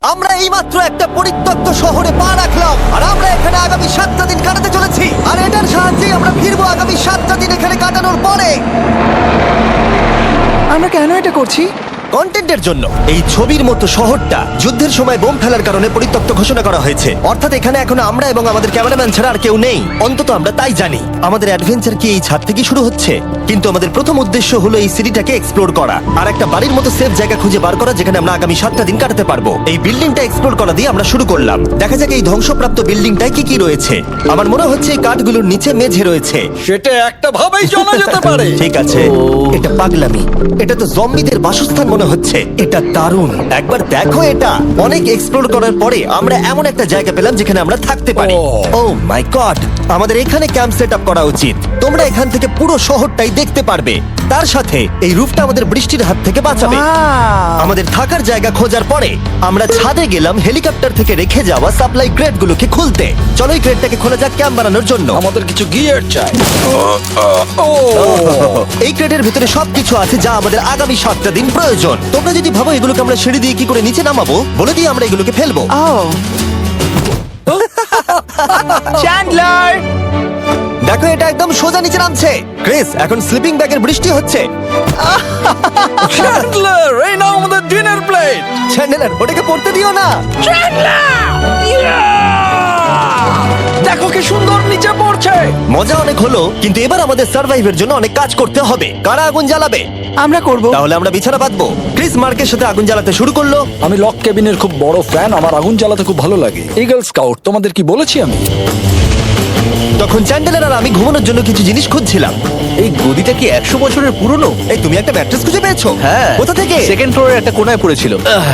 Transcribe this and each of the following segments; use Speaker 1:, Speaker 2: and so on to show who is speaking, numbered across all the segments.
Speaker 1: আমরা এইমাত্র একটা পরিত্যক্ত শহরে পা রাখলাম আর আমরা এখানে আগামী 7টা দিন কাটাতে চলেছি আর এটার সাহায্যে আমরা ফিরবো আগামী 7টা দিন এখানে কাটানোর পরে।
Speaker 2: আমরা কেন এটা করছি?
Speaker 1: কন্টেন্টের জন্য। এই ছবির মতো শহরটা যুদ্ধের সময় বোম ফেলার কারণে পরিত্যক্ত ঘোষণা করা হয়েছে, অর্থাৎ এখানে এখন আমরা এবং আমাদের ক্যামেরাম্যান ছাড়া আর কেউ নেই, অন্তত আমরা তাই জানি। আমাদের অ্যাডভেঞ্চার কি এই ছাদ থেকে শুরু হচ্ছে, কিন্তু আমাদের প্রথম উদ্দেশ্য হলো এই সিটিটাকে এক্সপ্লোর করা আর একটা বাড়ির মতো সেফ জায়গা খুঁজে বার করা যেখানে আমরা আগামী 7টা দিন কাটাতে পারবো। এই বিল্ডিংটা এক্সপ্লোর করা দিয়ে আমরা শুরু করলাম। দেখা যাক এই ধ্বংসপ্রাপ্ত বিল্ডিংটায় কি কি রয়েছে। আমার মনে হচ্ছে এই কাঠগুলোর নিচে মেঝে রয়েছে।
Speaker 3: সেটা একটা ভাবেই জানা যেতে পারে।
Speaker 1: ঠিক আছে, এটা পাগলামি। এটা তো জম্বিদের বাসস্থান মনে হচ্ছে। এটা দারুণ, একবার দেখো এটা। অনেক এক্সপ্লোর করার পরে আমরা এমন একটা জায়গা পেলাম যেখানে আমরা থাকতে পারি। ও মাই গড, আমাদের এখানে ক্যাম্প সেট আপ করা উচিত। তোমরা এখান থেকে পুরো শহরটাই দেখতে পারবে। তার সাথে এই রুফটা আমাদের বৃষ্টির হাত থেকে বাঁচাবে।
Speaker 2: Wow!
Speaker 1: আমাদের থাকার জায়গা খোঁজার পরে আমরা ছাদে গেলাম হেলিকপ্টার থেকে রেখে যাওয়া সাপ্লাই ক্রেটগুলোকে খুলতে। চলো এই ক্রেটটাকে খোলা যাক ক্যাম্প বানানোর জন্য।
Speaker 3: আমাদের কিছু গিয়ার চাই।
Speaker 1: এই ক্রেটের ভিতরে সবকিছু আছে যা আমাদের আগামী 7টা দিন প্রয়োজন। তোমরা যদি ভাবো এগুলোকে আমরা সিঁড়ি দিয়ে কি করে নিচে নামাবো, বলে দিয়ে আমরা এগুলোকে ফেলবো।
Speaker 2: Oh! চ্যান্ডলার!
Speaker 1: দেখো এটা একদম সোজা নিচে নামছে। ক্রিস, এখন স্লিপিং ব্যাগের বৃষ্টি হচ্ছে।
Speaker 3: চ্যান্ডলার, এই নাও আমাদের ডিনার প্লেট।
Speaker 1: চ্যান্ডেলার, ওটাকে পড়তে দিও না।
Speaker 3: দেখো কি সুন্দর নিচে পড়ছে।
Speaker 1: মজা অনেক হলো, কিন্তু এবার আমাদের সার্ভাইভের জন্য অনেক কাজ করতে হবে। কারা আগুন জ্বালাবে?
Speaker 2: আমরা করব।
Speaker 1: তাহলে আমরা বিছানা বাঁধবো। ক্রিস মার্কের সাথে আগুন জ্বালাতে শুরু করলো।
Speaker 3: আমি লক কেবিনের খুব বড় ফ্যান, আমার আগুন জ্বালাতে খুব ভালো লাগে। ইগল স্কাউট, তোমাদের কি বলেছি আমি?
Speaker 1: তখন চ্যান্ডেলার আর আমি ঘুমানোর জন্য কিছু জিনিস খুঁজছিলাম।
Speaker 4: এই গদিটা কি 100 বছরের পুরনো?
Speaker 1: এই তুমি একটা ম্যাট্রেস খুঁজে পেয়েছো?
Speaker 4: হ্যাঁ।
Speaker 1: কোথা থেকে?
Speaker 4: সেকেন্ড ফ্লোরের একটা কোণায় পড়েছিল।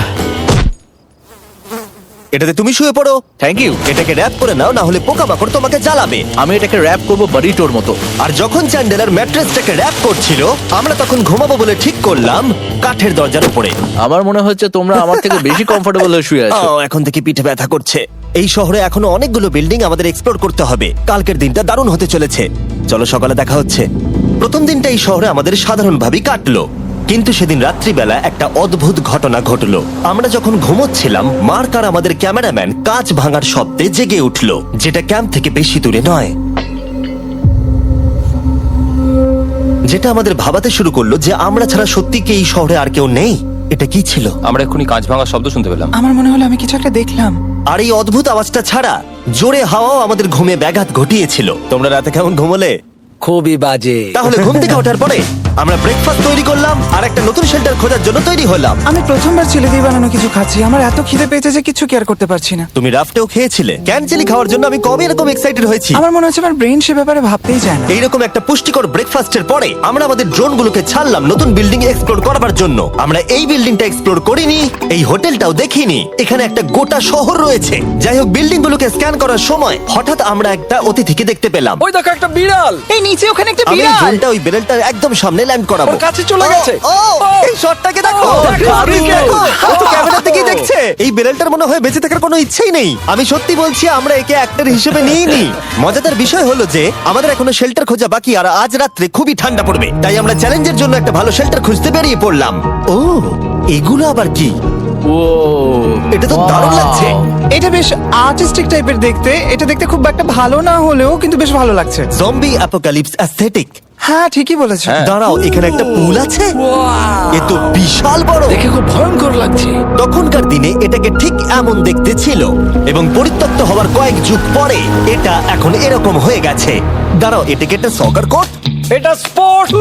Speaker 1: এটাতে তুমি শুয়ে পড়ো।
Speaker 4: Thank you.
Speaker 1: এটাকে র‍্যাপ করে নাও, না হলে পোকামাকড় তোমাকে জ্বালাবে।
Speaker 4: আমি এটাকে র‍্যাপ করব বারিটোর মতো।
Speaker 1: আর যখন চ্যান্ডেলার ম্যাট্রেসটাকে র‍্যাপ করছিল, আমরা তখন ঘুমাবো বলে ঠিক করলাম কাঠের দরজার উপরে।
Speaker 4: আমার মনে হচ্ছে তোমরা আমার থেকে বেশি কমফোর্টেবল হয়ে শুয়ে আছো।
Speaker 1: এখন থেকে পিঠে ব্যথা করছে। এই শহরে এখনো অনেকগুলো বিল্ডিং আমাদের এক্সপ্লোর করতে হবে। কালকের দিনটা দারুণ হতে চলেছে। চলো সকালে দেখা হচ্ছে। প্রথম দিনটা এই শহরে আমাদের সাধারণভাবেই কাটলো, কিন্তু সেদিন রাত্রিবেলা একটা অদ্ভুত ঘটনা ঘটলো। আমরা যখন ঘুমোচ্ছিলাম, মার্ক আর আমাদের ক্যামেরাম্যান কাঁচ ভাঙার শব্দে জেগে উঠলো, যেটা ক্যাম্প থেকে বেশি দূরে নয়। যেটা আমাদের ভাবাতে শুরু করলো যে আমরা ছাড়া সত্যি কি এই শহরে আর কেউ নেই। এটা কি ছিল?
Speaker 5: আমরা এক্ষুনি কাঁচ ভাঙার শব্দ শুনতে পেলাম।
Speaker 2: আমার মনে হলো আমি কিছু একটা দেখলাম।
Speaker 1: আর এই অদ্ভুত আওয়াজটা ছাড়া জোরে হাওয়াও আমাদের ঘুমে ব্যাঘাত ঘটিয়েছিল। তোমরা রাতে কেমন ঘুমোলে?
Speaker 4: খুবই বাজে।
Speaker 1: তাহলে ঘুম থেকে ওঠার পরে আমরা ব্রেকফাস্ট তৈরি করলাম আর একটা নতুন শেল্টার খোঁজার জন্য তৈরি হলাম।
Speaker 2: আমি প্রথমবার ছেলে দিয়ে বানানো কিছু খাচ্ছি। আমার এত খিদে পেয়েছে যে কিছু কেয়ার করতে পারছি না।
Speaker 1: তুমি রাফটেও খেয়েছিলে। ক্যানচেলি খাওয়ার জন্য আমি কবে এরকম এক্সাইটেড হয়েছি।
Speaker 2: আমার মনে হচ্ছে আমার ব্রেন সে ব্যাপারে ভাবতেই চায় না।
Speaker 1: এইরকম একটা পুষ্টিকর ব্রেকফাস্টের পরে আমরা আমাদের ড্রোনগুলোকে ছাড়লাম নতুন বিল্ডিং এক্সপ্লোর করার জন্য। আমরা এই বিল্ডিংটা এক্সপ্লোর করিনি, এই হোটেলটাও দেখিনি। এখানে একটা গোটা শহর রয়েছে। যাই হোক, বিল্ডিংগুলোকে স্ক্যান করার সময় হঠাৎ আমরা একটা অতিথিকে দেখতে পেলাম।
Speaker 3: ওই দেখো একটা বিড়াল।
Speaker 2: এই নিচে ওখানে একটা
Speaker 1: আমি এই
Speaker 2: বিড়াল।
Speaker 1: ড্রোনটা ওই বেরেলটার একদম সামনে ল্যান্ড করাবো।
Speaker 3: ওর কাছে চলে গেছে।
Speaker 1: ও, এই শটটাকে দেখো।
Speaker 3: দেখো,
Speaker 1: দেখো, ও তো ক্যামেরা থেকেই দেখছে। এই বেরেলটার মনে হয় বেঁচে থাকার কোনো ইচ্ছেই নেই। আমি সত্যি বলছি, আমরা একে অ্যাক্টর হিসেবে নিইনি। মজাদার বিষয় হলো যে আমাদের এখনো শেল্টার খোঁজা বাকি, আর আজ রাত্রে খুবই ঠান্ডা পড়বে। তাই আমরা চ্যালেঞ্জের জন্য একটা ভালো শেল্টার খুঁজতে বেরিয়ে পড়লাম। ও, এগুলো আবার কি?
Speaker 4: ও,
Speaker 1: এটা তো দারুণ লাগছে।
Speaker 2: এটা বেশ আর্টিস্টিক টাইপের দেখতে। এটা দেখতে খুব একটা ভালো না হলেও কিন্তু বেশ ভালো লাগছে।
Speaker 1: Zombie apocalypse aesthetic.
Speaker 2: হ্যাঁ, ঠিকই বলেছো।
Speaker 1: দাঁড়াও, এখানে একটা পুল আছে। এ তো বিশাল বড়।
Speaker 4: দেখে খুব ভয়ঙ্কর লাগছে।
Speaker 1: তখনকার দিনে এটাকে ঠিক এমন দেখতে ছিল, এবং পরিত্যক্ত হওয়ার কয়েক যুগ পরে এটা এখন এরকম হয়ে গেছে। দাঁড়াও, এটাকে একটা সকার কোর্ট?
Speaker 3: এটা স্পোর্টস।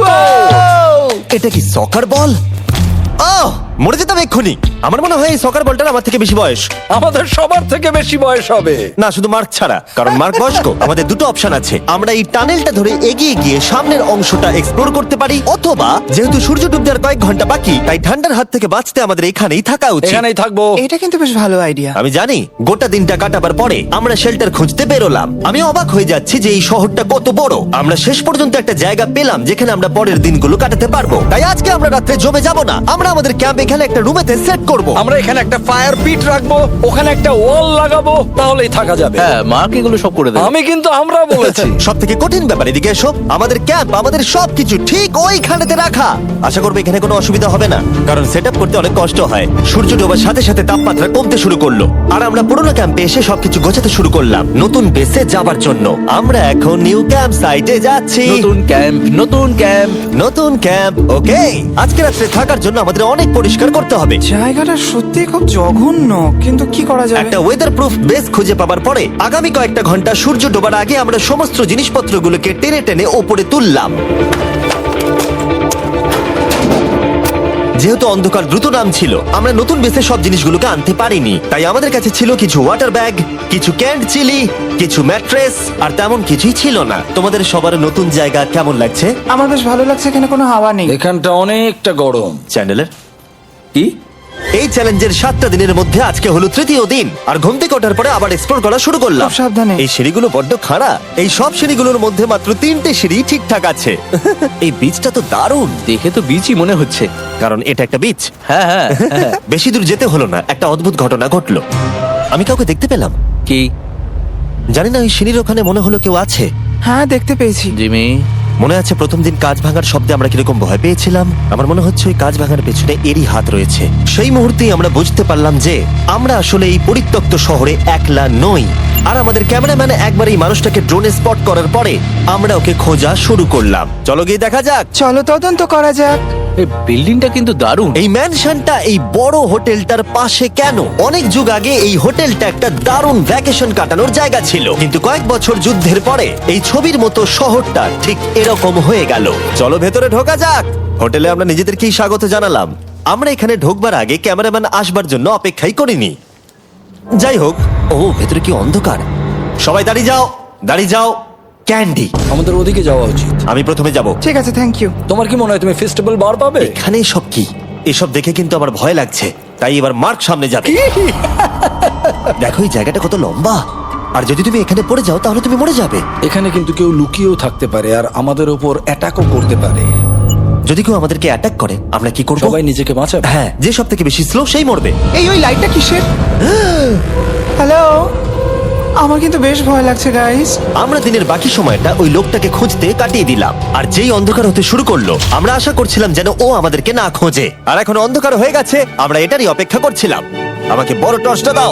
Speaker 1: এটা কি সকার বল? আহ, মরে যেতাম এক্ষুনি। আমার মনে হয় এই সকার বলটার আমার থেকে বেশি বয়স।
Speaker 3: আমাদের সবার থেকে বেশি বয়স হবে।
Speaker 1: না, শুধু মার্ক ছাড়া, কারণ মার্ক বয়স্ক। আমাদের দুটো অপশন আছে। আমরা এই টানেলটা ধরে এগিয়ে গিয়ে সামনের অংশটা এক্সপ্লোর করতে পারি, অথবা যেহেতু সূর্য ডুবতে আর কয়েক ঘন্টা বাকি, তাই ঠান্ডার হাত থেকে বাঁচতে আমাদের এখানেই থাকা উচিত।
Speaker 3: এখানেই থাকবো।
Speaker 2: এটা কিন্তু বেশ ভালো আইডিয়া।
Speaker 1: আমি জানি। গোটা দিনটা কাটাবার পরে আমরা শেল্টার খুঁজতে বেরোলাম। আমি অবাক হয়ে যাচ্ছি যে এই শহরটা কত বড়। আমরা শেষ পর্যন্ত একটা জায়গা পেলাম যেখানে আমরা পরের দিনগুলো কাটাতে পারবো। তাই আজকে আমরা রাত্রে জমে যাব না। আমরা আমাদের ক্যাম্প এখানে একটা রুমেতে সেট করব।
Speaker 3: আমরা এখানে একটা ফায়ার পিট রাখবো, ওখানে একটা ওয়াল লাগাবো, তাহলেই থাকা যাবে।
Speaker 4: হ্যাঁ মার্ক এগুলো সব করে দেবে।
Speaker 3: আমি কিন্তু আমরা বলেছি।
Speaker 1: সব থেকে কঠিন ব্যাপার, এদিকে এসো। আমাদের ক্যাম্প, আমাদের সবকিছু ঠিক ওইখানেতে রাখা। আশা করবো এখানে কোনো অসুবিধা হবে না, কারণ সেট আপ করতে অনেক কষ্ট হয়। সূর্য ডোবার সাথে সাথে তাপমাত্রা কমতে শুরু করলো, আর আমরা পুরোনো ক্যাম্পে এসে সবকিছু গোছাতে শুরু করলাম নতুন বেসে যাবার জন্য। আমরা এখন নিউ ক্যাম্প সাইটে যাচ্ছি।
Speaker 4: নতুন ক্যাম্প, নতুন ক্যাম্প।
Speaker 1: নতুন ক্যাম্প, ওকে। আজকে রাত্রে থাকার জন্য আমাদের অনেক পরিষ্কার করতে হবে।
Speaker 2: জায়গাটা সত্যি খুব জঘন্য, কিন্তু কি করা যাবে?
Speaker 1: একটা ওয়েদার প্রুফ বেস খুঁজে পাবার পরে আগামী কয়েকটা ঘন্টা সূর্য ডোবার আগে আমরা সমস্ত জিনিসপত্রগুলোকে টেনে টেনে ওপরে তুললাম। যেহেতু অন্ধকার দ্রুত নামছিল, আমরা নতুন বেসে সব জিনিসগুলোকে আনতে পারিনি, তাই আমাদের কাছে ছিল কিছু ওয়াটার ব্যাগ, কিছু ক্যান্ড চিলি, কিছু ম্যাট্রেস, আর তেমন কিছুই ছিল না। তোমাদের সবার নতুন জায়গা কেমন লাগছে?
Speaker 2: আমার বেশ ভালো লাগছে, এখানে কোনো হাওয়া নেই।
Speaker 3: এখানটা অনেকটা গরম।
Speaker 1: চ্যানেলের
Speaker 4: কি?
Speaker 1: এই চ্যালেঞ্জের 7টা দিনের মধ্যে আজকে হলো তৃতীয় দিন, আর ঘুম থেকে ওঠার পরে আবার এক্সপ্লোর করা শুরু করলাম।
Speaker 2: খুব সাবধানে।
Speaker 1: এই সিঁড়িগুলো বড্ড খাড়া। এই সব সিঁড়িগুলোর মধ্যে মাত্র 3টে সিঁড়ি ঠিকঠাক আছে। এই বীজটা তো দারুণ,
Speaker 4: দেখে তো বিচই মনে হচ্ছে।
Speaker 1: কারণ এটা একটা বীজ।
Speaker 4: হ্যাঁ হ্যাঁ হ্যাঁ।
Speaker 1: বেশি দূর যেতে হলো না, একটা অদ্ভুত ঘটনা ঘটলো। আমি কাউকে দেখতে পেলাম,
Speaker 4: কি?
Speaker 1: জানি না, ওই সিঁড়ির ওখানে মনে হলো কেউ আছে।
Speaker 2: হ্যাঁ, দেখতে পেয়েছি।
Speaker 4: জিমি,
Speaker 1: মনে আছে প্রথম দিন কাঁচ ভাঙার শব্দে আমরা কিরকম ভয় পেয়েছিলাম? আমার মনে হচ্ছে ওই কাঁচ ভাঙার পেছনে এরই হাত রয়েছে। সেই মুহূর্তেই আমরা বুঝতে পারলাম যে আমরা আসলে এই পরিত্যক্ত শহরে একলা নই। আর আমাদের ক্যামেরাম্যান একবার এই মানুষটাকে ড্রোনে স্পট করার পরে আমরা ওকে খোঁজা শুরু করলাম। চলো গিয়ে দেখা যাক।
Speaker 2: চলো তদন্ত করা যাক।
Speaker 4: এই বিল্ডিংটা কিন্তু দারুণ।
Speaker 1: এই ম্যানশনটা এই বড় হোটেলটার পাশে কেন? অনেক যুগ আগে এই হোটেলটা একটা দারুণ ভ্যাকেশন কাটানোর জায়গা ছিল, কিন্তু কয়েক বছর যুদ্ধের পরে এই ছবির মতো শহরটা ঠিক এরকম হয়ে গেল। চলো ভেতরে ঢোকা যাক। হোটেলে আমরা নিজেদেরকেই স্বাগত জানালাম। আমরা এখানে ঢোকবার আগে ক্যামেরাম্যান আসবার জন্য অপেক্ষাই করিনি। যাই হোক, ও ভেতরে কি অন্ধকার। সবাই দাঁড়িয়ে যাও, দাঁড়িয়ে যাও। ক্যান্ডি,
Speaker 3: আমাদের ওদিকে যাওয়া উচিত।
Speaker 1: আমি প্রথমে যাব।
Speaker 2: ঠিক আছে, থ্যাংক ইউ।
Speaker 3: তোমার কি মনে হয় তুমি ফেস্টিভ্যাল বার পাবে?
Speaker 1: এখানে সব কি? এসব দেখে কিন্তু আমার ভয় লাগছে, তাই এবার মার্ক সামনে যাবে। দেখো এই জায়গাটা কত লম্বা, আর যদি তুমি এখানে পড়ে যাও তাহলে তুমি মরে যাবে।
Speaker 3: এখানে কিন্তু কেউ লুকিয়েও থাকতে পারে আর আমাদের ওপর অ্যাটাকও করতে পারে।
Speaker 1: যদি কেউ আমাদেরকে অ্যাটাক করে আমরা কি করব?
Speaker 3: সবাই নিজেকে বাঁচাবে।
Speaker 1: হ্যাঁ, যে সব থেকে বেশি স্লো সেই মরবে।
Speaker 2: ওই লাইটটা কিসের? হ্যালো, আমার কিন্তু বেশ ভয় লাগছে গাইস।
Speaker 1: আমরা দিনের বাকি সময়টা ওই লোকটাকে খুঁজতে কাটিয়ে দিলাম, আর যেই অন্ধকার হতে শুরু করলো আমরা আশা করছিলাম যেন ও আমাদেরকে না খোঁজে। আর এখন অন্ধকার হয়ে গেছে, আমরা এটারই অপেক্ষা করছিলাম। আমাকে বড় টর্চটা দাও।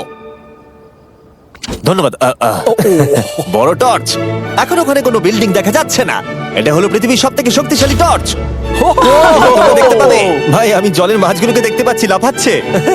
Speaker 1: ধন্যবাদ। বড় টর্চ। এখন ওখানে কোনো বিল্ডিং দেখা যাচ্ছে না। এটা হলো পৃথিবীর সব থেকে শক্তিশালী টর্চ। তোমরা দেখতে পাবে। ভাই, আমি জলের মাছগুলোকে দেখতে পাচ্ছি লাফাচ্ছে।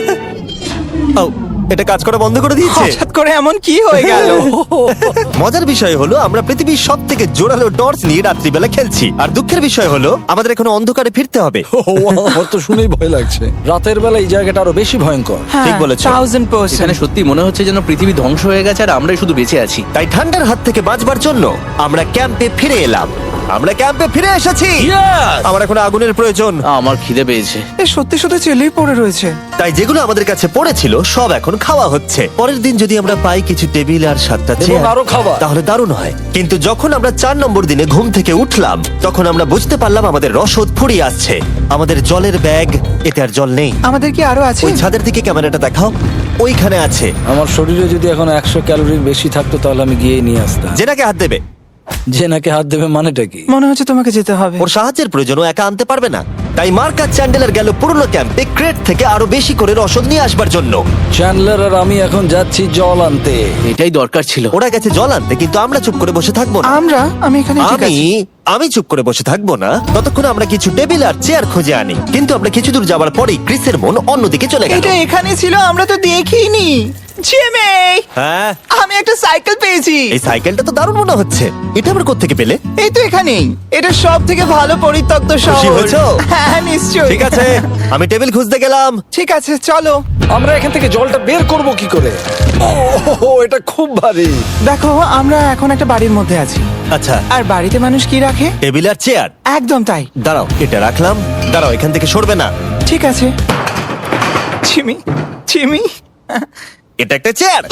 Speaker 1: ও, এটা কাজ করা বন্ধ করে দিয়েছে।
Speaker 2: হঠাৎ করে এমন কি হয়ে গেল?
Speaker 1: মজার বিষয় হলো আমরা পৃথিবীর সব থেকে জোরালো টর্চ নিয়ে রাত্রিবেলা খেলছি, আর দুঃখের বিষয় হলো আমাদের এখন অন্ধকারে ফিরতে হবে।
Speaker 3: আমার তো শুনেই ভয় লাগছে। রাতের বেলা এই জায়গাটা আরো বেশি ভয়ঙ্কর।
Speaker 1: ঠিক বলেছো।
Speaker 2: 1000%।
Speaker 4: এখানে সত্যি মনে হচ্ছে যেন পৃথিবী ধ্বংস হয়ে গেছে আর আমরাই শুধু বেঁচে আছি।
Speaker 1: তাই ঠান্ডার হাত থেকে বাঁচবার জন্য আমরা ক্যাম্পে ফিরে এলাম। আমরা ক্যাম্পে ফিরে এসেছি। আমার এখন আগুনের প্রয়োজন।
Speaker 4: আমার খিদে পেয়েছে।
Speaker 2: এ সত্যি সত্যি চেলেই পড়ে রয়েছে।
Speaker 1: তাই যেগুলো আমাদের কাছে পড়েছিল সব এখন খাওয়া হচ্ছে। পরের দিন যদি আমরা পাই কিছু টেবিল আর 7টা
Speaker 3: এবং
Speaker 1: চেয়ার,
Speaker 3: আরো খাবার।
Speaker 1: তাহলে দারুণ হয়। কিন্তু যখন আমরা 4 নম্বর দিনে ঘুম থেকে উঠলাম তখন আমরা বুঝতে পারলাম আমাদের রসদ ফুরিয়ে আসছে। আমাদের জলের ব্যাগ, এতে আর জল নেই।
Speaker 2: আমাদের কি আরো আছে?
Speaker 1: ওই ছাদের দিকে ক্যামেরাটা দেখাও, ওইখানে আছে।
Speaker 3: আমার শরীরে যদি এখন 100 ক্যালোরির বেশি থাকতো তাহলে আমি গিয়ে নিয়ে আসতাম।
Speaker 1: জেনাকে হাত দেবে।
Speaker 3: যে নাকি হাত দেবে মানেটা কি?
Speaker 2: মনে হচ্ছে তোমাকে যেতে হবে।
Speaker 1: ওর সাহায্যের প্রয়োজন, ও একা আনতে পারবে না। তাই মার্ক আর চ্যান্ডেলার গেল পুরনো ক্যাম্পে ক্রেট থেকে আরো বেশি করে রসদ নিয়ে আসবার জন্য।
Speaker 3: চ্যান্ডলার আর আমি এখন যাচ্ছি জল আনতে।
Speaker 4: এটাই দরকার ছিল।
Speaker 1: ওরা গেছে জল আনতে, কিন্তু আমরা চুপ করে বসে থাকবো না।
Speaker 2: আমি এখানে ঠিক
Speaker 1: আমি
Speaker 2: আছি।
Speaker 1: আমি চুপ করে বসে থাকবো না ততক্ষণ আমরা কিছু টেবিল আর চেয়ার খুঁজে আনি। কিন্তু আমরা কিছু দূর যাবার পরেই ক্রিসের মন অন্যদিকে চলে গেল।
Speaker 2: এটা এখানে ছিল, আমরা তো দেখিনি। জিমি,
Speaker 1: হ্যাঁ,
Speaker 2: আমি একটা সাইকেল পেয়েছি।
Speaker 1: এই সাইকেলটা তো দারুণ মনে হচ্ছে। এটা আবার কোত্থেকে পেলে?
Speaker 2: এই তো এখানেই। এটা সব থেকে ভালো পরিত্যক্ত
Speaker 1: খুশি
Speaker 2: শহর।
Speaker 1: হয়েছো?
Speaker 2: হ্যাঁ, নিশ্চয়ই।
Speaker 1: ঠিক আছে, আমি টেবিল খুঁজতে গেলাম।
Speaker 2: ঠিক আছে, চলো।
Speaker 3: আমরা এখান থেকে জলটা বের করব কি করে? ও, এটা খুব ভারী।
Speaker 2: দেখো, আমরা এখন একটা বাড়ির মধ্যে আছি।
Speaker 1: আচ্ছা,
Speaker 2: আর বাড়িতে মানুষ কি রাখে?
Speaker 1: টেবিল আর চেয়ার।
Speaker 2: একদম তাই।
Speaker 1: দাঁড়াও, এটা রাখলাম। দাঁড়াও, এখান থেকে সরবে না।
Speaker 2: ঠিক আছে। চিমি, চিমি,
Speaker 1: এটা একটা চেয়ার।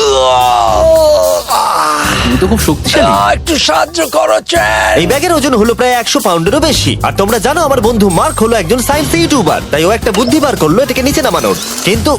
Speaker 5: তুমি তো খুব শক্তিশালী।
Speaker 3: একটু সাহায্য করো চ্যান।
Speaker 1: এই ব্যাগের ওজন হলো প্রায় 100 পাউন্ডেরও বেশি। আর তোমরা জানো আমার বন্ধু মার্ক হলো একজন সায়েন্স ইউটিউবার, তাই ও একটা বুদ্ধি বার করলো এটাকে নিচে নামানোর। কিন্তু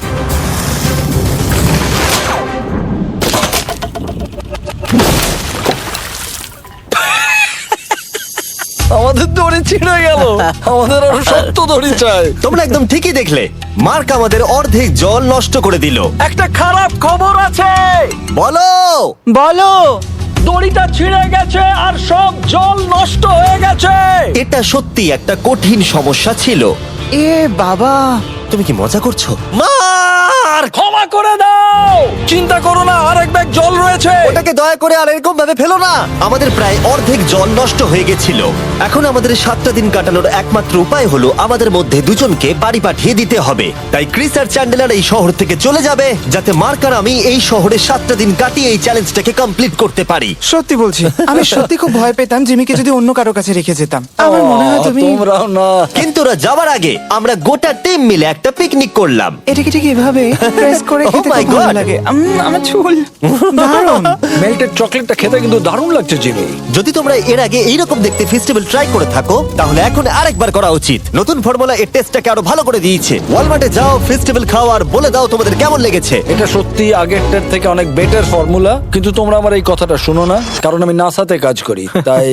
Speaker 3: আমাদের দড়ি ছিঁড়ে গেল। আমাদের আরো শক্ত দড়ি চাই।
Speaker 1: তোমরা একদম ঠিকই দেখলে, মার্ক আমাদের অর্ধেক জল নষ্ট করে দিল।
Speaker 3: একটা খারাপ খবর আছে,
Speaker 1: বলো।
Speaker 2: বলো।
Speaker 3: দড়িটা ছিঁড়ে গেছে আর সব জল নষ্ট হয়ে গেছে।
Speaker 1: এটা সত্যি একটা কঠিন সমস্যা ছিল।
Speaker 2: এ বাবা।
Speaker 1: তুমি কি মজা করছো? মার্ক,
Speaker 3: ক্ষমা করে দাও। চিন্তা করো না, আরেক ব্যাগ জল রয়েছে।
Speaker 1: ওটাকে দয়া করে আর এরকম ভাবে ফেলো না। আমাদের প্রায় অর্ধেক জল নষ্ট হয়ে গেছিল। এখন আমাদের 7টা দিন কাটানোর একমাত্র উপায় হলো আমাদের মধ্যে দুজনকে বাড়ি পাঠিয়ে দিতে হবে। তাই ক্রিস আর চ্যান্ডেলার এই শহর থেকে চলে যাবে, যাতে মার্ক আর আমি এই শহরে 7টা দিন কাটিয়ে এই চ্যালেঞ্জটাকে কমপ্লিট করতে পারি।
Speaker 2: সত্যি বলছি, আমি সত্যি খুব ভয় পেতাম জিমিকে যদি অন্য কারো কাছে রেখে যেতাম। আমার মনে হয় তুমি
Speaker 3: তোমরাও না।
Speaker 1: কিন্তু ওরা যাওয়ার আগে আমরা গোটা টিম মিলে একটা পিকনিক করলাম।
Speaker 2: এটাকে ঠিক এভাবে প্রেস করে
Speaker 1: Oh
Speaker 2: খেতে
Speaker 1: my
Speaker 2: খুব ভালো
Speaker 1: God!
Speaker 2: লাগে। আমার চুল দারুণ।
Speaker 3: মেল্টেড চকলেটটা খেতে কিন্তু দারুণ লাগছে জিমি।
Speaker 1: যদি তোমরা এর আগে এইরকম দেখতে ফেস্টিভ্যাল ট্রাই করে থাকো, তাহলে এখন আরেকবার করা উচিত। নতুন ফর্মুলা এর টেস্টটাকে আরো ভালো করে দিয়েছে। ওয়ালমার্টে যাও, ফেস্টিভ্যাল খাও আর বলে দাও তোমাদের কেমন লেগেছে।
Speaker 3: এটা সত্যি আগেরটার থেকে অনেক বেটার ফর্মুলা, কিন্তু তোমরা আমার এই কথাটা শোনো না, কারণ আমি নাসাতে কাজ করি, তাই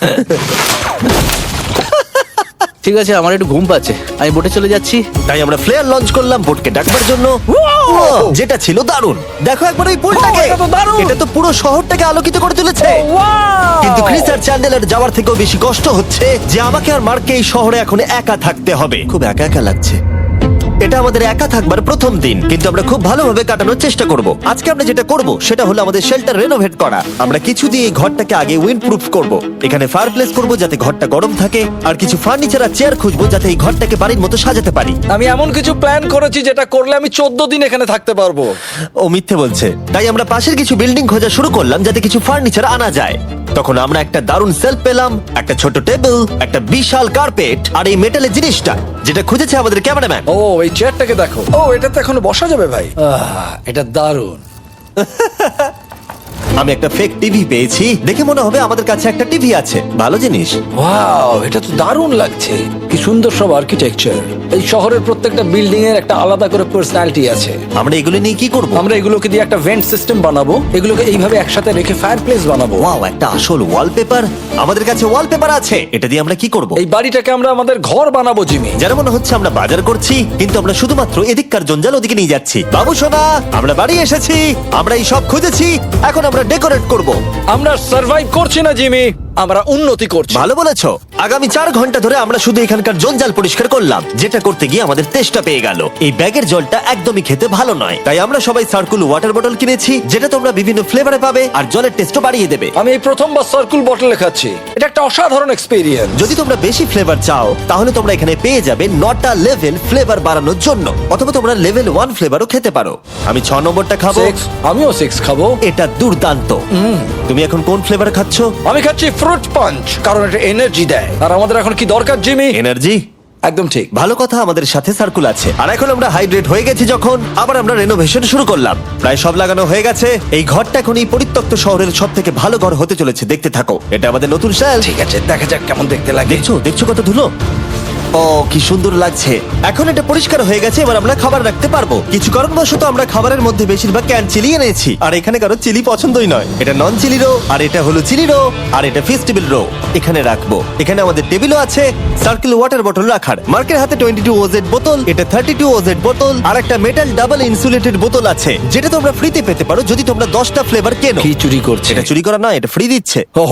Speaker 4: ঠিক আছে, আমার একটু ঘুম পাচ্ছে, আমি বোটে চলে যাচ্ছি।
Speaker 1: তাই আমরা ফ্লেয়ার লঞ্চ করলাম বোটকে ডাকবার জন্য, যেটা ছিল দারুণ। দেখো একবার ওই পুলটাকে,
Speaker 3: এটা তো দারুণ!
Speaker 1: এটা তো পুরো শহরটাকে আলোকিত করে তুলেছে। কিন্তু ক্রিস আর চ্যান্ডেলার যাওয়ার থেকেও বেশি কষ্ট হচ্ছে যে আমাকে আর মার্ককে এই শহরে এখন একা থাকতে হবে। খুব একা একা লাগছে। এটা আমাদের একা থাকবার প্রথম দিন, কিন্তু আমরা খুব ভালোভাবে কাটানোর চেষ্টা করব। আজকে আমরা যেটা করব সেটা হলো আমাদের শেল্টার রেনোভেট করা। আমরা কিছু দিয়ে এই ঘরটাকে আগে উইন্ড প্রুফ করব। এখানে ফায়ারপ্লেস করব যাতে ঘরটা গরম থাকে, আর কিছু ফার্নিচার আর চেয়ার খুঁজবো যাতে এই ঘরটাকে বাড়ির মতো সাজাতে পারি।
Speaker 3: আমি এমন কিছু প্ল্যান করেছি যেটা করলে আমি 14 দিন এখানে থাকতে পারবো।
Speaker 1: ও মিথ্যে বলছে। তাই আমরা পাশের কিছু বিল্ডিং খোঁজা শুরু করলাম যাতে কিছু ফার্নিচার আনা যায়। তখন আমরা একটা দারুণ সেলফ পেলাম, একটা ছোট টেবিল, একটা বিশাল কার্পেট আর এই মেটালের জিনিসটা যেটা খুঁজেছে আমাদের ক্যামেরাম্যান।
Speaker 3: ও এই চেয়ারটাকে দেখো, ও এটাতে এখনো বসা যাবে ভাই। এটা দারুণ।
Speaker 1: আমি একটা ফেক টিভি পেয়েছি, দেখে মনে হবে আমাদের কাছে একটা টিভি আছে। ভালো জিনিস।
Speaker 3: ওয়াও, এটা তো দারুণ লাগছে। কি সুন্দর সব আর্কিটেকচার। এই শহরের প্রত্যেকটা বিল্ডিং এর একটা আলাদা করে পার্সোনালিটি আছে।
Speaker 1: আমরা এগুলো নিয়ে কি করব?
Speaker 3: আমরা এগুলোকে দিয়ে একটা ভেন্ট সিস্টেম বানাবো, এগুলোকে এইভাবে একসাথে রেখে ফায়ারপ্লেস বানাবো।
Speaker 1: ওয়াও, একটা আসল ওয়ালপেপার। আমাদের কাছে ওয়ালপেপার আছে। এটা দিয়ে আমরা কি করব?
Speaker 3: এই বাড়িটাকে আমরা আমাদের ঘর বানাবো জিমি।
Speaker 1: যারা মনে হচ্ছে আমরা বাজার করছি, কিন্তু আমরা শুধুমাত্র এদিককার জঞ্জাল ওদিকে নিয়ে যাচ্ছি। বাবু সোনা, আমরা বাড়ি এসেছি। আমরা এই সব খুঁজেছি, এখন আমরা ডেকোরেট করব।
Speaker 3: আমরা সার্ভাইভ করছি না জিমি, আমরা উন্নতি করছি।
Speaker 1: ভালো বলেছো। আগামী 4 ঘন্টা ধরে আমরা শুধু এখানকার জঞ্জাল পরিষ্কার করলাম, যেটা করতে গিয়ে আমাদের তেষ্টা পেয়ে গেল। এই ব্যাগের জলটা একদমই খেতে ভালো নয়, তাই আমরা সবাই সার্কুল ওয়াটার বটল কিনেছি, যেটা তোমরা বিভিন্ন ফ্লেভারে পাবে আর জলের টেস্টও বাড়িয়ে দেবে।
Speaker 3: আমি এই প্রথমবার সার্কুল বটলে খাচ্ছি, এটা একটা অসাধারণ এক্সপেরিয়েন্স।
Speaker 1: যদি তোমরা বেশি ফ্লেভার চাও, তাহলে তোমরা এখানে পেয়ে যাবে 9টা লেভেল ফ্লেভার বাড়ানোর জন্য, অথবা তোমরা লেভেল 1 ফ্লেভারও খেতে পারো। আমি 6 নম্বরটা খাবো।
Speaker 3: আমিও 6 খাবো।
Speaker 1: এটা দুর্দান্ত। তুমি এখন কোন ফ্লেভার খাচ্ছ?
Speaker 3: আমি খাচ্ছি ফ্রুট পাঞ্চ, কারণ এটা এনার্জি দেয়। আর আমাদের এখন কি দরকার জিমি?
Speaker 1: এনার্জি।
Speaker 3: একদম ঠিক।
Speaker 1: ভালো কথা, আমাদের সাথে সার্কুল আছে। আর এখন আমরা হাইড্রেট হয়ে গেছি যখন, আবার আমরা রেনোভেশন শুরু করলাম। প্রায় সব লাগানো হয়ে গেছে। এই ঘরটা এখন এই পরিত্যক্ত শহরের সব থেকে ভালো ঘর হতে চলেছে। দেখতে থাকো, এটা আমাদের নতুন স্টাইল।
Speaker 3: ঠিক আছে, দেখা যাক কেমন দেখতে লাগে।
Speaker 1: দেখছো কত ধুলো। ও কি সুন্দর লাগছে। এখন এটা পরিষ্কার হয়ে গেছে, এবার আমরা খাবার রাখতে পারবো। কিছু কারণবশত আমরা খাবারের মধ্যে বেশিরভাগ ক্যান চিলি এনেছি, আর এখানে কারো চিলি পছন্দই নয়। এটা নন চিলি রো, আর এটা হলো চিলি রো, আর এটা ফেস্টিভ্যাল রো। এখানে রাখবো। এখানে আমাদের টেবিলও আছে, সার্কেল ওয়াটার বটল রাখার। মার্কের হাতে 22 ওজেড বোতল, এটা 32 ওজেড বোতল, আর একটা মেটাল ডাবল ইনসুলেটেড বোতল আছে, যেটা তোমরা ফ্রিতে পেতে পারো যদি তোমরা 10টা ফ্লেভার কেনো।
Speaker 3: কি চুরি করছে?
Speaker 1: এটা চুরি করা নয়, এটা ফ্রি দিচ্ছে।
Speaker 3: ও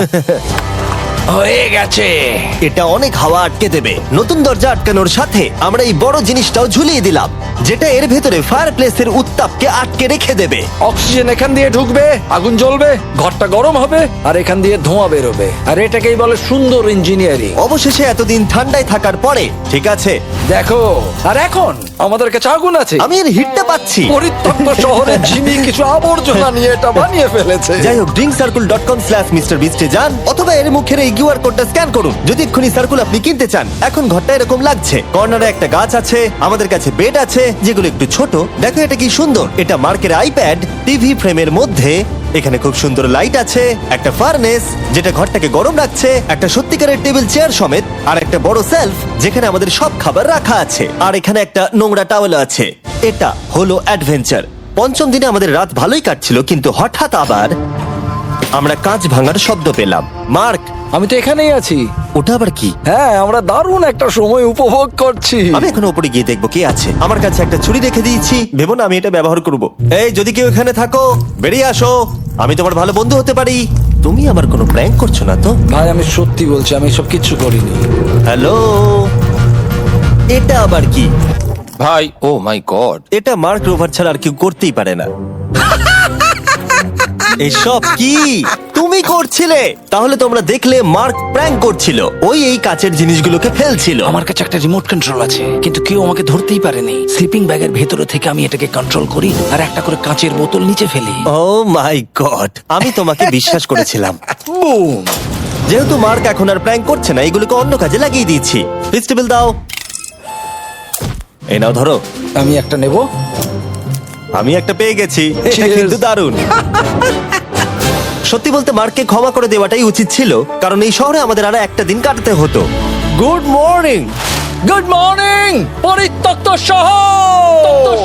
Speaker 3: হয়ে গেছে।
Speaker 1: এটা অনেক হাওয়া আটকে দেবে। নতুন দরজা আটকানোর সাথে আমরা এই বড় জিনিসটাও ঝুলিয়ে দিলাম, যেটা এর ভেতরে ফায়ারপ্লেসের উত্তাপকে আটকে রেখে দেবে।
Speaker 3: অক্সিজেন এখান দিয়ে ঢুকবে, আগুন জ্বলবে, ঘরটা গরম হবে, আর এখান দিয়ে ধোঁয়া বেরোবে। আর এটাকেই বলে সুন্দর ইঞ্জিনিয়ারিং।
Speaker 1: অবশেষে এতদিন ঠান্ডায় থাকার পরে ঠিক আছে।
Speaker 3: দেখো, আর এখন আমাদের কাছে আগুন আছে।
Speaker 1: আমি এর হিটটা পাচ্ছি।
Speaker 3: পরিত্যক্ত শহরে জিমি কিছু আবর্জনা নিয়ে এটা বানিয়ে ফেলেছে।
Speaker 1: যাই হোক, drinkcircle.com/MrBeast এ যান, অথবা এর মুখের এই কিউআর কোডটা স্ক্যান করুন যদি এক্ষুনি সার্কুল আপনি কিনতে চান। এখন ঘরটা এরকম লাগছে, কর্নারে একটা গাছ আছে, আমাদের কাছে বেড আছে যেগুলো একটু ছোট। দেখো এটা কি সুন্দর, এটা মার্কের আইপ্যাড টিভি ফ্রেমের মধ্যে। এখানে খুব সুন্দর লাইট আছে, একটা ফার্নেস যেটা ঘরটাকে গরম রাখছে, একটা সত্যিকারের টেবিল চেয়ার সমেত, আর একটা বড় সেলফ যেখানে আমাদের সব খাবার রাখা আছে, আর এখানে একটা নোংরা টাওয়েল আছে। এটা হলো অ্যাডভেঞ্চার। পঞ্চম দিনে আমাদের রাত ভালোই কাটছিল, কিন্তু হঠাৎ আবার আমরা কাঁচ ভাঙার শব্দ পেলাম। মার্ক,
Speaker 3: আমি তো এখানেই আছি।
Speaker 1: ওটা আবার কি?
Speaker 3: হ্যাঁ, আমরা দারুণ একটা সময় উপভোগ করছি।
Speaker 1: আমি এখন উপরে গিয়ে দেখবো কি আছে। আমার কাছে একটা ছুরি রেখে দিয়েছি, ভেবো না আমি এটা ব্যবহার করব। এই যদি কেউ এখানে থাকো বেরিয়ে আসো, আমি তোমার ভালো বন্ধু হতে পারি। তুমি আমার কোনো প্র্যাঙ্ক করছো না তো?
Speaker 3: ভাই আমি সত্যি বলছি, আমি সব কিচ্ছু করিনি।
Speaker 1: হ্যালো, এটা আবার কি?
Speaker 5: ভাই ও মাই গড,
Speaker 1: এটা মার্ক রোভার ছাড়া আর কেউ করতেই পারে না। এসব কি তুমি করছিলে? তাহলে তোমরা দেখলে মার্ক প্র্যাঙ্ক করছিল। ওই এই কাচের জিনিসগুলোকে ফেলছিল।
Speaker 6: আমার কাছে একটা রিমোট কন্ট্রোল আছে, কিন্তু কেউ আমাকে ধরতেই পারেনি। স্লিপিং ব্যাগের ভেতরে থেকে আমি এটাকে কন্ট্রোল করি আর একটা করে কাঁচের বোতল নিচে ফেলি।
Speaker 1: ও মাই গড, আমি তোমাকে বিশ্বাস করেছিলাম।
Speaker 3: বুম!
Speaker 1: যেহেতু মার্ক এখন আর প্র্যাঙ্ক করছে না, এগুলোকে অন্য কাজে লাগিয়ে দিয়েছি। ফেস্টিভ্যাল দাও। এই নাও ধরো।
Speaker 3: আমি একটা নেব।
Speaker 1: আমি একটা পেয়ে গেছি, এটা
Speaker 3: Yes.
Speaker 1: কিন্তু দারুণ। সত্যি বলতে মার্ককে ক্ষমা করে দেওয়াটাই উচিত ছিল, কারণ এই শহরে আমাদের আর একটা দিন কাটাতে হতো। Good morning.
Speaker 3: গুড মর্নিং পরিত্যক্ত শহর।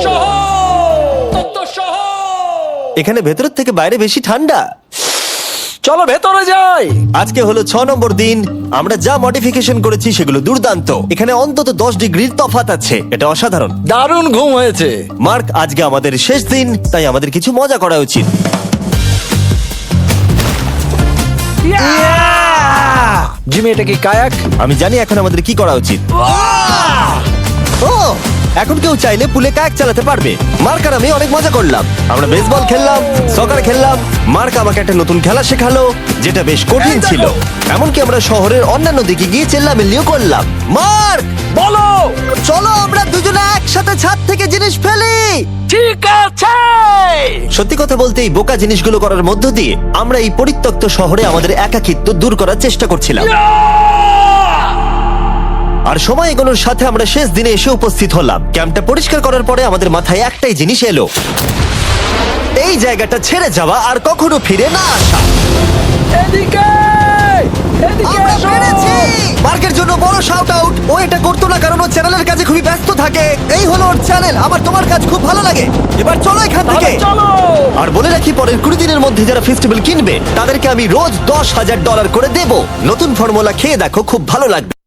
Speaker 1: এখানে ভেতরের থেকে বাইরে বেশি ঠান্ডা।
Speaker 3: চলো ভেতরে যাই।
Speaker 1: আজকে হলো 6 নম্বর দিন। আমরা যা মডিফিকেশন করেছি সেগুলো দুর্দান্ত। এখানে অন্তত 10 ডিগ্রির তফাৎ আছে, এটা অসাধারণ।
Speaker 3: দারুণ ঘুম হয়েছে।
Speaker 1: মার্ক, আজকে আমাদের শেষ দিন, তাই আমাদের কিছু মজা করা উচিত।
Speaker 3: জিমি, এটা কি কায়াক?
Speaker 1: আমি জানি এখন আমাদের কি করা উচিত। ও, এখন কেউ চাইলে পুলে কায়াক চালাতে পারবে। মার্ক আর আমি অনেক মজা করলাম। আমরা বেসবল খেললাম, সকার খেললাম। মার্ক আমাকে একটা নতুন খেলা শেখালো, যেটা বেশ কঠিন ছিল। এমনকি আমরা শহরের অন্যান্য দিকে গিয়ে চেল্লামিল্লিও করলাম। মার্ক,
Speaker 3: বলো।
Speaker 1: চলো আমরা দুজনে একসাথে ছাদ থেকে জিনিস ফেলি।
Speaker 3: ঠিক আছে।
Speaker 1: সত্যি কথা বলতে এই বোকা জিনিসগুলো করার মধ্য দিয়ে আমরা এই পরিত্যক্ত শহরে আমাদের একাকিত্ব দূর করার চেষ্টা করছিলাম। আর সময় এগোনোর সাথে আমরা শেষ দিনে এসে উপস্থিত হলাম। ক্যাম্পটা পরিষ্কার করার পরে আমাদের মাথায় একটাই জিনিস এলো, এই জায়গাটা ছেড়ে যাওয়া আর কখনো ফিরে না আসা।
Speaker 3: এদিকে এদিকে
Speaker 1: আমরা
Speaker 3: এসো।
Speaker 1: পেরেছি! মার্কের জন্য বড় শাউট আউট। ও এটা করতো না কারণ ও চ্যানেলের কাছে খুবই ব্যস্ত থাকে। এই হলো ওর চ্যানেল। আমার তোমার কাজ খুব ভালো লাগে। এবার চলো এখান থেকে।
Speaker 3: তাহলে চলো।
Speaker 1: আর বলে রাখি, পরের 20 দিনের মধ্যে যারা ফেস্টিভ্যাল কিনবে তাদেরকে আমি রোজ $10,000 করে দেব। নতুন ফর্মুলা খেয়ে দেখো, খুব ভালো লাগবে।